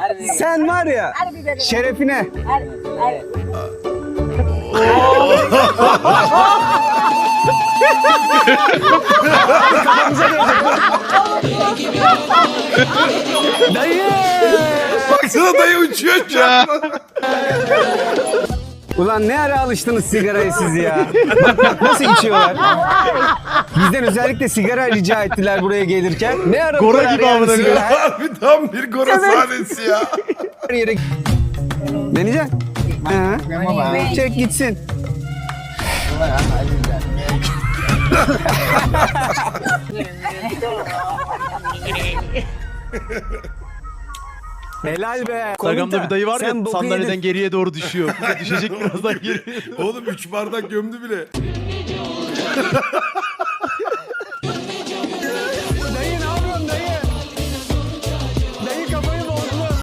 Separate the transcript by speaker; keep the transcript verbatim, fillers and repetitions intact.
Speaker 1: Sen var ya şerefine. Dayı.
Speaker 2: Baksana dayı uçuyor şu an.
Speaker 1: Ulan ne ara alıştınız sigaraya siz ya? Bak bak nasıl içiyorlar. Bizden özellikle sigara rica ettiler buraya gelirken. Ne ara
Speaker 3: Gora
Speaker 1: bu kadar
Speaker 3: gibi
Speaker 1: yani
Speaker 3: amına
Speaker 1: sigara?
Speaker 2: Harbi tam bir gora sahnesi ya.
Speaker 1: Her yere... Deneyeceksin. Ha. Çek gitsin. Helal be.
Speaker 3: Instagram'da bir dayı var
Speaker 1: Sen
Speaker 3: ya
Speaker 1: boku
Speaker 3: sandalyeden
Speaker 1: yedin.
Speaker 3: geriye doğru düşüyor. Bir de düşecek birazdan geriye.
Speaker 2: Oğlum üç bardak gömdü bile.